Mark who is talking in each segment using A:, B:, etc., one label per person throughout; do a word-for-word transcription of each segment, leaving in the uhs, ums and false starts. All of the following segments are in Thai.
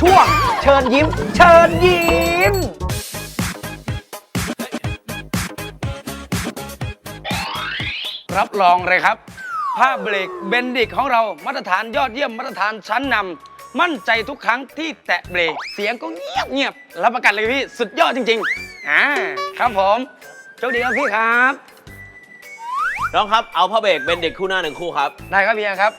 A: ช่วงเชิญยิ้มเชิญยิ้มรับรองเลยครับผ้าเบรกเบนดิกของเรามาตรฐานยอดเยี่ยมมาตรฐานชั้นนำมั่นใจทุกครั้งที่แตะเบรกเสียงก็เงียบเงียบรับประกันเลยพี่สุดยอดจริงๆอ่าครับผมโชคดีครับพี่ครับ
B: น้องครับเอาผ้าเบรกเป็นเด็กคู่หน้าหนึ่งคู่ครับ
A: ได้ครับพี่ครับ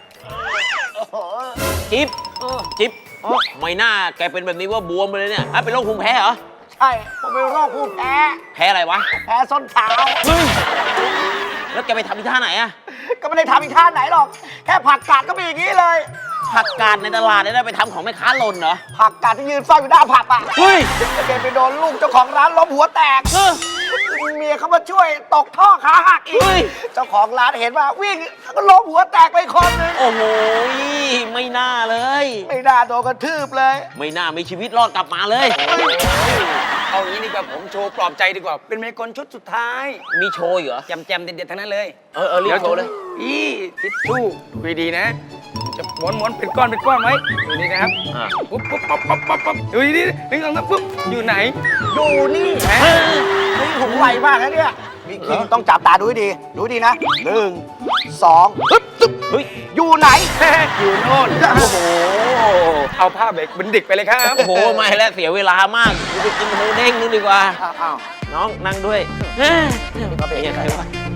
B: จิ๊บจิ๊บไม่น่าแกเป็นแบบนี้ว่าบวมไปเลยเนี่ยฮะเป็นโรคภูมิแพ้เหรอ
C: ใช่ผมเป็นโรคภูมิแพ้
B: แพ้อะไรวะ
C: แพ้ส้นเท้า
B: เฮ้ยแล้วแกไปทำที่ท่าไหนอะ
C: ก็ไม่ได้ทำอีกท่าไหนหรอก แค่ผักกาดก็เป็นอย่างนี้เลย
B: ผักกาดในตลาดเนี่ยได้ไปทำของแม่ค้าหล่นเหรอ
C: ผักกาดที่ยืนเฝ้าอยู่หน้าผับอ่ะ
B: เฮ้ย
C: เกไปโดนลูกเจ้าของร้านล้มหัวแตก
B: เออ
C: เมียเขามาช่วยตกท่อขาหักอีก
B: เฮ้ย
C: เจ้าของร้านเห็นว่าวิ่งก็ล้มหัวแตกไปคนหนึง
B: โอ้โหไม่น่าเลย
C: ไม่น่าโดนกระทืบเลย
B: ไม่น่ามีชีวิตรอดกลับมาเลย
A: เอางี้ดีกว่าผมโชว์ปลอบใจดีกว่าเป็นเมกลชุดสุดท้าย
B: มีโชว์อีกเหรอ
A: แจมๆเด็ดๆทั้งนั้นเลย
B: เออเออรีบโชว์เลย
A: อีทิชชู่ดูดีๆนะ จะม้วนม้วนๆเป็นก้อนเป็นก้อนไว้ดูนี่นะครับ
B: อ่ะ
A: ปุ๊บปุ๊บปั๊บปั๊บปั๊บปั๊บดูดีๆนึกออกนะปุ๊บอยู่ไหน
C: ดูนี่
A: แหม
C: นี่ผมไวมากนะเนี่ยมีคิงต้องจับตาดูให้ดี ดูให้ดีนะหนึ่งสองปึ๊บตึ๊บ
B: เฮ้ย
C: อยู่ไหน
A: อยู่โน่น
B: โอ้โห
A: เอาผ้าเบรกเป็นดิกไปเลยครับ
B: โอ้โหไม่แล้วเสียเวลามากกูไปกินหมูเด้งนึงดีกว่า
C: อ้าว
B: น้องนั่งด้วยเฮ้ย
C: ก็เป็น
B: ยังไงวะ